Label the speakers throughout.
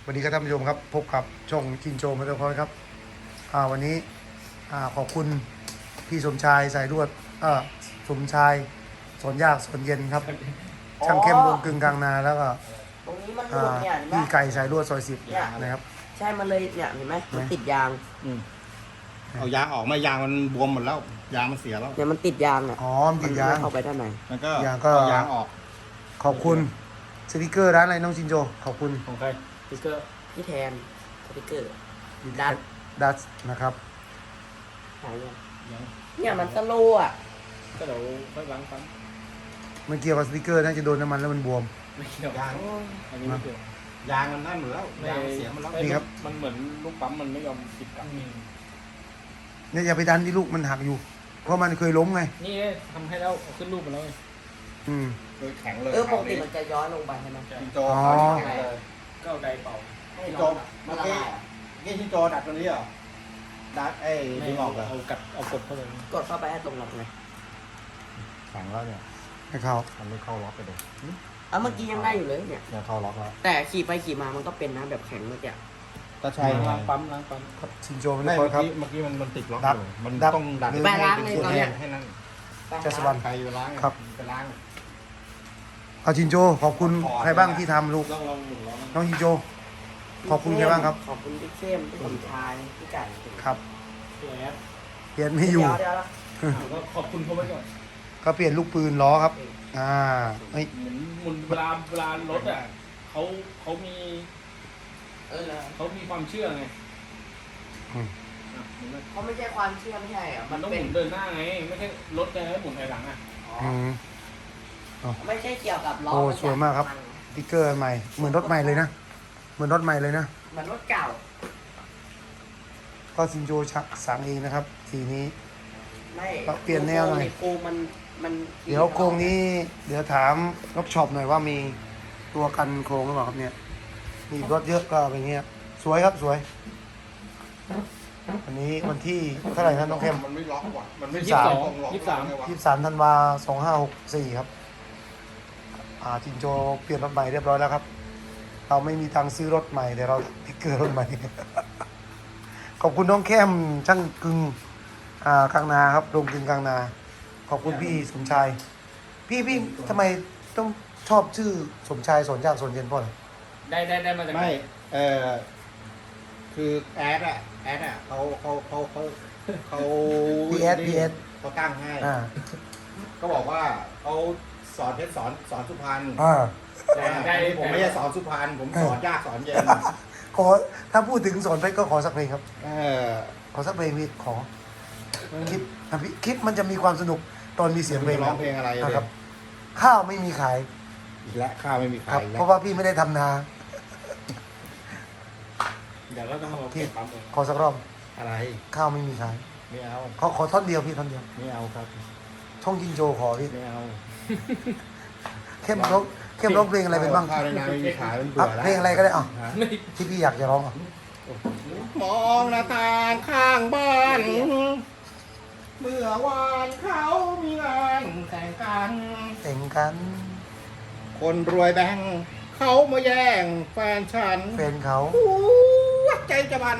Speaker 1: สวัสดีครับท่านผู้ชมครับพบกับช่องชินโจมอเตอร์คอร์สครับวันนี้ขอบคุณพี่สมชายสายรวดสมชายสอนยากสอนเย็นครับช่างเข้มวงกึ่งกลางนาแล้วก็
Speaker 2: ตรงนี้มันหลุดเนี่ยเห็นไหม
Speaker 1: พี่ไก่สายรวดซอย10นะครับ
Speaker 2: ใช่มันเลยเนี่ยเห็นไหมมันติดยาง
Speaker 3: เอายางออกมายางมันบวมหมดแล้วยางมันเสียแล้ว
Speaker 2: เนี่ยมันติดยางอ่ะ
Speaker 1: อ๋อมันติดยาง
Speaker 2: มันเข้าไปด้านใน
Speaker 3: มันก็
Speaker 1: ยางก็
Speaker 3: เอายางออก
Speaker 1: ขอบคุณสติกเกอร์ร้านอะไรน้องชินโจขอบคุณ
Speaker 4: ของใครสติ๊กเกอร์
Speaker 2: ที่แทนสติกเกอร์ดัด
Speaker 1: ดัสนะครับ
Speaker 2: หายยัง
Speaker 4: ยัง
Speaker 2: เนี่ยมันสโลว์อ่ะ
Speaker 4: ก็เดี๋ยวค่อยล้างปั๊ม
Speaker 1: มันเกี่ยวกับสติกเกอร์น่าจะโดนน้ำมันแล้วมันบวม
Speaker 4: ไม่เกี่ยวย
Speaker 3: าง
Speaker 4: อันนี้ไม่เกี่ยวย
Speaker 3: างมันนั่นหมดแล้วยางมันเสียหมดแล้ว
Speaker 1: นี่ครับ
Speaker 4: มันเหมือนลูกปั๊มมันไม่ยอมติดกลับ
Speaker 1: เนี่ยอย่าไปดันที่ลูกมันหักอยู่ เพราะมันเคยล้มไง
Speaker 4: นี่ทำให้แล้วเอาขึ้นรูปมาแล้วไง
Speaker 1: อืม
Speaker 3: โดยแข็งเลย
Speaker 2: ปกติมันจะย้อนลงไปใช่ไหม
Speaker 3: ชินโจ
Speaker 1: อ๋อ
Speaker 3: เอาแข็งเลย
Speaker 4: ก็เอาไดเป่า
Speaker 2: ให้
Speaker 3: ชิน
Speaker 2: ร้
Speaker 3: โจ
Speaker 2: อนอะ
Speaker 3: เมื่
Speaker 2: มั
Speaker 3: อน
Speaker 2: ละ
Speaker 3: กี้
Speaker 2: ลายอะ
Speaker 3: ชินโจดัดตัวนี้เหรอดัดดึงออกเหรอ
Speaker 4: เอากดเข้าไป
Speaker 2: กดเข้าไปให้ตรงล็อกไง
Speaker 3: แข็งแล้วเนี่ย
Speaker 1: ให้เขา
Speaker 3: มันไม่เข้าล็อกไปเลย
Speaker 2: เมื่อกี้ยังได้อยู่เลยเนี่ย
Speaker 3: เนี่ยเข้าล็อกแล้ว
Speaker 2: แต่ขี่ไปขี่มามันก็เป็นนะแบบแข็งเมื่อกี้
Speaker 3: ก็ใช่ไง
Speaker 4: ล้างปั๊มล้างปั๊ม
Speaker 1: ชินโจมัน
Speaker 3: ไม่
Speaker 1: คอ
Speaker 3: เมื่
Speaker 1: ร์
Speaker 3: อ
Speaker 1: ครับ
Speaker 3: กี้มันติดล็อก
Speaker 1: ดับ
Speaker 3: อยู่มัน
Speaker 1: ดับ
Speaker 3: ต้องดัด
Speaker 1: หรือ
Speaker 2: ไปล้างใน
Speaker 3: เป็น
Speaker 2: ตอน
Speaker 3: แย
Speaker 2: เนี้ย
Speaker 3: กให้นั่น
Speaker 1: จัสวรรณ
Speaker 3: ใครอยู่ล้าง
Speaker 1: ครับ
Speaker 3: ไปล้าง
Speaker 1: เอาชินโจขอบคุณใครบ้างที่ทำลูก
Speaker 4: ลองหมุนล้อมัน
Speaker 1: น้องชินโจ ขอบคุณใครบ้างครับ
Speaker 2: ขอบคุณพี่เข้มพี่สมชายพี่ไก่
Speaker 1: ครับ
Speaker 4: ตัวแอป
Speaker 1: เปลี่ยนไม่อยู่
Speaker 2: เดี๋ยว
Speaker 4: ก็ขอบคุณเขาไว้ก่อน
Speaker 1: ก็เปลี่ยนลูกปืนล้อครับเฮ้ย
Speaker 4: หมุนเวลารถอ่ะเขามี เขามีความเชื่อไง
Speaker 1: อืม
Speaker 4: อ่ะหมุนเลย
Speaker 2: เขาไม่ใช่ความเชื่อไม่ใช่อ่ะ
Speaker 4: มันต้องห
Speaker 2: เป็
Speaker 4: มุนเดินหน้าไง ไม่ใช่รถจะให้หมุนถอยหลังอ่ะ
Speaker 1: อืม
Speaker 2: ไม่ใช่เกี่ยวกับล้อ
Speaker 1: โอ้
Speaker 2: นจะ
Speaker 1: สวยมากครับ สติ๊กเกอร์อันใหม่เหมือนรถใหม่เลยนะเหมือนรถใหม่เลยนะ
Speaker 2: เหมือนรถเก่า
Speaker 1: ก็ชินโจสั่งเองนะครับสีนี้
Speaker 2: ไม่
Speaker 1: เปลี่ยนแนวหน่อย
Speaker 2: โครงมัน
Speaker 1: เดี๋ยวโครงนี้เดี๋ยวถามรถช็อปหน่อยว่ามีตัวกันโครงหรือเปล่าครับเนี่ยมีรถเยอะก็เป็นเงี้ยสวยครับสวยวันนี้วันที่เท่าไหร่นะน้องเข้ม
Speaker 3: มันไม่ล็อกว่ะมันไม่
Speaker 1: ยี่สิบสอง
Speaker 3: ตรงล็อก
Speaker 1: 23 ธันวา2564 ครับจินโจเปลี่ยนรถใหม่เรียบร้อยแล้วครับ เราไม่มีตังค์ซื้อรถใหม่แต่เราสติ๊กเกอร์รถใหม่ ขอบคุณน้องเข้มช่างกึ่งกลางนาครับโรงกึ่งกลางนา ขอบคุณพี่สมชาย พี่ทำไมต้องชอบชื่อสมชายสอนยากสอนเย็นพ่อเลย
Speaker 4: ได้มาจากไหน
Speaker 3: ไม่คือแอดอะเขา
Speaker 1: พีเอส
Speaker 3: เขาตั้งให้
Speaker 1: อ่า
Speaker 3: ก็บอกว่าเขาสอนเพชรสอนสุพรรณ
Speaker 4: ได้
Speaker 3: ผมไม่ใช่สอนสุพรรณผมสอนยากสอนเย็น
Speaker 1: ขอถ้าพูดถึงสอนเพชรก็ขอสักเพลงครับ
Speaker 3: เออ
Speaker 1: ขอสักเพลงพี่ขอคลิปมันจะมีความสนุกตอนมีเสียงเพลง
Speaker 3: ร้องเพลงอะไร
Speaker 1: นะ
Speaker 3: เนี่
Speaker 1: ครั
Speaker 3: ย
Speaker 1: บ ข้าวไม่มีขาย
Speaker 3: อีกแล้วข้าวไม่มี
Speaker 1: ค
Speaker 3: ขา
Speaker 1: รับ
Speaker 3: ยอีก
Speaker 1: เพ
Speaker 3: แล้ว
Speaker 1: ราะว่าพี่ไม่ได้ทำนา
Speaker 4: เดี๋ยวก็ต้องเอาเก็บปั๊มเลย
Speaker 1: ขอสักรอบ
Speaker 3: อะไร
Speaker 1: ข้าวไม่มีขาย
Speaker 3: ไม่เอา
Speaker 1: ขอท่อนเดียวพี่ท่อนเดียว
Speaker 3: ไม่เอาครับ
Speaker 1: ช่องจินโจขอพี่
Speaker 3: ไม่เอา
Speaker 1: เข้มร้องเพลงอะไรเป็นบ้าง
Speaker 3: ข้าวในนาไม่มีขายมันเบื่
Speaker 1: อ่ะ
Speaker 3: อแล้ว
Speaker 1: เพลงอะไรก็ได้อ่ะ
Speaker 3: ฮะ
Speaker 4: ไม่
Speaker 1: ที่พี่อยากจะร้องอ่ะ
Speaker 3: มองหน้าต่างข้างบ้าน เมื่อวานเขามีงานแต่งกัน
Speaker 1: แต่งกัน
Speaker 3: คนรวยแบงค์เขามาแย่งแฟนฉัน
Speaker 1: แฟนเขา
Speaker 3: หัวใจจะบัน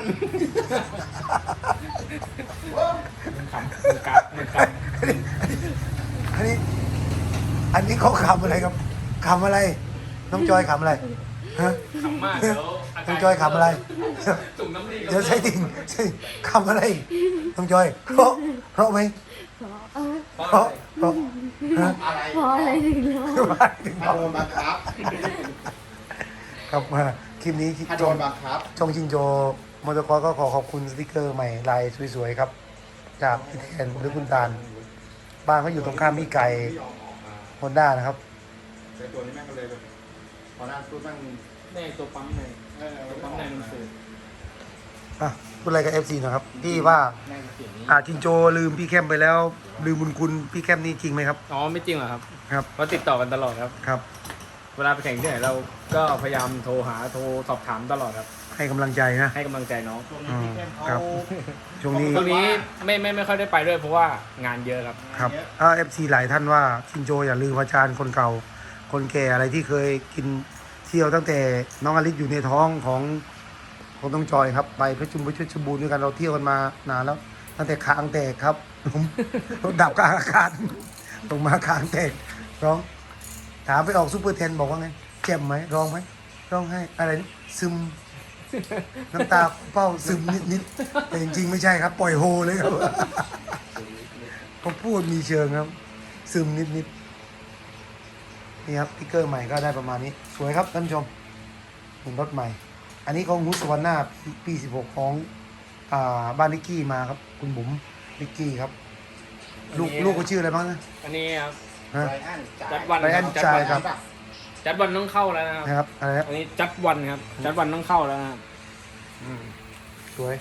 Speaker 4: มันขำมันกัดมันข
Speaker 1: อันนี้เขาขำอะไรครับขำอะไร น้องจอยขำอะไรฮะ
Speaker 4: ำขำมากเดี๋ยวอา
Speaker 1: น้
Speaker 4: กา
Speaker 1: อง
Speaker 4: ร
Speaker 1: จอยขำอะไร
Speaker 4: จุ่มน้ำดี
Speaker 1: เดี๋ยวใช่ติ่งใช่ขำอะไรน้องจอยเพราะไหม
Speaker 4: เพราะ
Speaker 1: เพราะ
Speaker 4: อะไร
Speaker 1: เพราะฮะ
Speaker 3: อะไร
Speaker 5: เพราะอะไรถึงร้อง
Speaker 3: ถ้าโดนบังคับ
Speaker 1: ครับมาคลิปนี้
Speaker 3: ถ้าโด
Speaker 1: ช่อง
Speaker 3: นบังคับ
Speaker 1: ช่องจินโจมอเตอร์คอร์สก็ขอขอบคุณสติกเกอร์ใหม่ลายสวยๆครับ จากพี่แทนหรือคุณตาลบ้านเขาอยู่ตรงข้ามพี่ไก่ฮอนด้านะครับ
Speaker 3: แต่ตัวนี้แม่งก็เลยแบบพอหน้าตู้แม่ง
Speaker 4: ในตัวปั๊มในตัวปั๊มในมันสื่อ
Speaker 1: อ่ะพูดอะไรกับ FC นะครับพี่ว่า
Speaker 4: แม่งเสียงนี้
Speaker 1: จินโจลืมพี่แคมไปแล้ว ลืมบุญคุณพี่แคมนี่จริงไหมครับ
Speaker 4: อ๋อไม่จริงหรอครับ
Speaker 1: ครับ
Speaker 4: เพราะติดต่อกันตลอดครับ
Speaker 1: ครับ
Speaker 4: เวลาไปแข่งที่ไหนเราก็พยายามโทรสอบถามตลอดครับ
Speaker 1: ให้กำลังใจนะ
Speaker 4: ให้กำลังใจน้อง
Speaker 1: อืมครับช่วงนี้
Speaker 4: ช่วงนี้ไม่ค่อยได้ไปด้วยเพราะว่างานเยอะครับ
Speaker 1: ครับFC หลายท่านว่าชินโจอย่าลืมอาจารย์คนเก่า คนแก่อะไรที่เคยกินที่ยวตั้งแต่น้องอลิศอยู่ในท้องของน้องจอยครับ ไปเพชรบูรณ์ด้วยกันเราเที่ยวกันมานานแล้ว ตั้งแต่คางแตกครับผมรถดับกลางอากาศลงมาคางแตกร้องถามไปออกซูเปอร์เทนบอกว่าไงเจ็บไหมร้องไหมร้องให้อะไรนะซึม น้ำตาเป้าซึมนิดๆแต่จริงๆไม่ใช่ครับ ปล่อยโฮเลยครับ เขาพูดมีเชิงครับ ซึมนิดๆนี่ครับสติ๊กเกอร์ใหม่ก็ได้ประมาณนี้ สวยครับท่านผู้ชมเป็นรถใหม่ อันนี้ของฮุสวรรณาปี 16 ของบ้านนิกกี้มาครับ คุณบุ๋มนิกกี้ครับ ลูกก็ชื่ออะไรบ้างนะ
Speaker 4: อันนี้ครับ
Speaker 1: ฮะ
Speaker 3: ไรอันจ่าย
Speaker 4: จัดวัน
Speaker 1: ไรอัน
Speaker 4: จัด
Speaker 1: จ่าย
Speaker 4: วัน
Speaker 1: ครับ
Speaker 4: จัดวันต้องเข้าแล้วนะครับ
Speaker 1: นะครับอะไรนะ
Speaker 4: อันนี้จัดวันครับ จัดวันต้องเข้าแล้วนะครับ
Speaker 1: สวย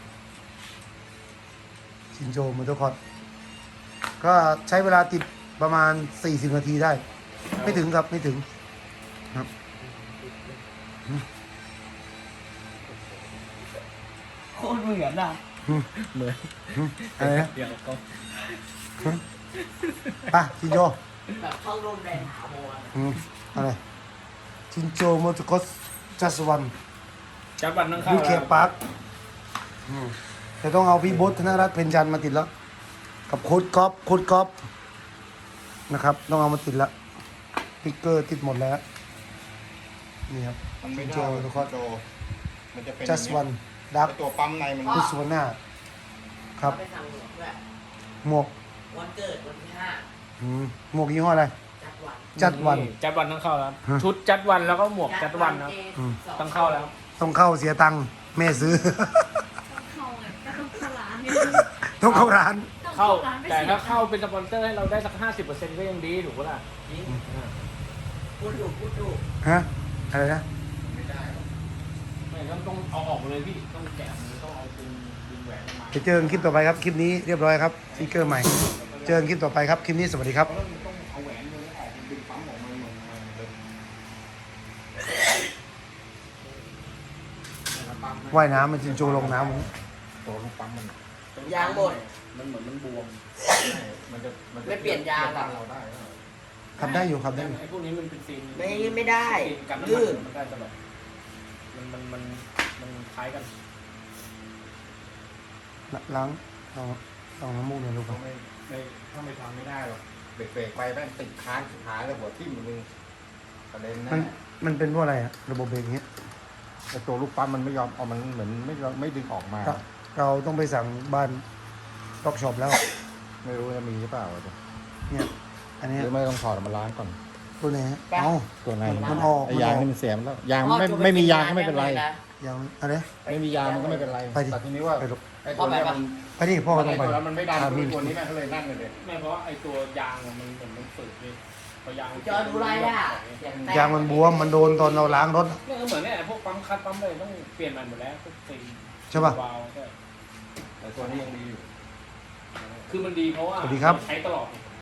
Speaker 1: ชินโจมอเตอร์คอร์ดก็ใช้เวลาติดประมาณ 40 นาทีได้ ไม่ถึงครับไม่ถึงครับ
Speaker 2: โคตรเหมือนอ่ะ
Speaker 4: เหมือน
Speaker 1: อะไรนะ
Speaker 4: เดี๋ยวก็
Speaker 1: ป่ะชินโจ
Speaker 2: แบบเข้าร่มแดงถาวร
Speaker 1: อะไรชินโจมอเตอร์คอร์ดจัสวัน
Speaker 4: จัดวันต้องเข้า
Speaker 1: ยู
Speaker 4: แล้ว
Speaker 1: เคปาร์คแต่ต้องเอาพี่บดธนรัตน์เพ็ญจันทร์มาติดแล้ว กับโค้ดก๊อฟนะครับ ต้องเอามาติดแล้วสติ๊กเกอร์ติดหมดแล้ว นี่ครับ
Speaker 3: มันไม่
Speaker 1: ชิน
Speaker 3: ได้
Speaker 1: โจมอเตอร์คอร์ด
Speaker 3: โจมันจะเป็น
Speaker 1: จัสวันดัก
Speaker 3: ไอ้ตัวปั๊มในมัน
Speaker 1: พุสวนาครับ
Speaker 2: ไปทางหลวงด้วย
Speaker 1: หมวก
Speaker 2: วันเกิดวันที่
Speaker 1: หมวกยี่ห้ออะไร
Speaker 2: 5 จัดวัน
Speaker 1: จัดวัน
Speaker 4: จัดวันต้องเข้าแล้ว
Speaker 1: ฮะ
Speaker 4: ชุดจัดวันแล้วก็หมวกจัดวันนะครับ ต้องเข้าแล้ว
Speaker 1: ต้องเข้าเสียตังค์แม่ซื้อ
Speaker 5: เข้าไงก็ต้องเข้าร้าน
Speaker 1: ต้องเข้าร้าน
Speaker 4: เข้า
Speaker 5: ร้านไป
Speaker 4: แต่
Speaker 5: สิ
Speaker 4: ถ้าเข้าเป็นสปอนเซอร์ให้เราได้สัก 50%ก็ยังดีถูกปะล่ะ
Speaker 2: จริงพูดถูก
Speaker 1: ฮะ อะไรนะ
Speaker 4: ไม่ต้องเอาออกมาเลยพี่ ต้องแกะมือต้องเอาดึงแหวนออกมา
Speaker 1: จะเจอกันคลิปต่อไปครับ คลิปนี้เรียบร้อยครับสติ๊กเกอร์ใหม่ เจอกันคลิปต่อไปครับ คลิปนี้สวัสดีครับ
Speaker 3: เพราะมันต้องเอาแหวนมือออกดึงปั๊มออกมาเหมือนเลย
Speaker 1: ว่ายน้ำมันจินโจลงน้ำ
Speaker 3: ตัวลูกปั๊มมัน
Speaker 2: ยางหมด
Speaker 4: มันเหมือนมันบวม
Speaker 3: มันจะ
Speaker 2: ไม่เปลี่ยนยางอะ
Speaker 3: เราได้
Speaker 1: ขับได้อยู่ขับได้อยู่
Speaker 4: ไอ้พวกนี้มันเป็นซีน
Speaker 2: ไม่ได้
Speaker 4: ซีนกันน้ำ
Speaker 2: ลื่
Speaker 4: มัน มันได้ตลอดมันคล้ายกัน
Speaker 1: ล้างเอาน้ำมูกหน่อยลูกค
Speaker 3: ก็
Speaker 1: รับ
Speaker 3: ไม่ทำไม่ได้หรอกเบรกไปแม่งติดค้างสุดท้ายแล้วหัวทิ่มมึงประเด็นนะ
Speaker 1: มันเป็นเพราะอะไรอะระบบเบรกอย่างเงี้ย
Speaker 3: ไอ้ตัวลูกปั๊มมันไม่ยอมเอามันเหมือนไม่ดึงออกมา
Speaker 1: เราต้องไปสั่งบ้านต็อกช็อปแล้ว
Speaker 3: ไม่รู้จะมีหรือเปล่า
Speaker 1: เนี่ย อันเนี้ย
Speaker 3: หรือไม่ต้องถอดมาล้างก่อน
Speaker 1: ตัวไหนฮะเอ้า
Speaker 3: ตัวใน
Speaker 1: มันออก
Speaker 3: ไอ้ยางนี่มันเสียมแล้วยางไม่มียางก็ไม่เป็นไร
Speaker 1: ยังอะไร
Speaker 3: ไม่มียางมันก็ไม่เป็นไร
Speaker 1: ไปดิ
Speaker 3: แต่ทีนี้ว่า
Speaker 1: ไปลูก
Speaker 3: ไอ้ตัวเนี้ยมัน
Speaker 1: ไปดิพ่อก็ต้องไป
Speaker 3: ไอ้ตัวนั้นมันไม่ดัน
Speaker 1: อ่ามี
Speaker 3: ตัวนี้แม่งก็เลยนั่งเลย
Speaker 4: ไม่เพราะว่าไอ้ตัวยางอะมันเหมือนมันฝืดเลยพอยาง
Speaker 2: จอดูไรอ่ะ
Speaker 1: ยางมันบวมมันโดนตอนเราล้างรถ
Speaker 4: เนี่ยก็เหมือนเนี่ยพวกปั๊มคัดปั๊มเลยต้องเปลี่ยนมันหมดแล้วพวกซีน
Speaker 1: ใช่ปะ
Speaker 4: วาล์วใช่
Speaker 3: แต่ตัวนี้ยังดีอยู่
Speaker 4: คือมันดีเพราะว่า
Speaker 1: สวัสดีครับ
Speaker 4: ใช้ตลอด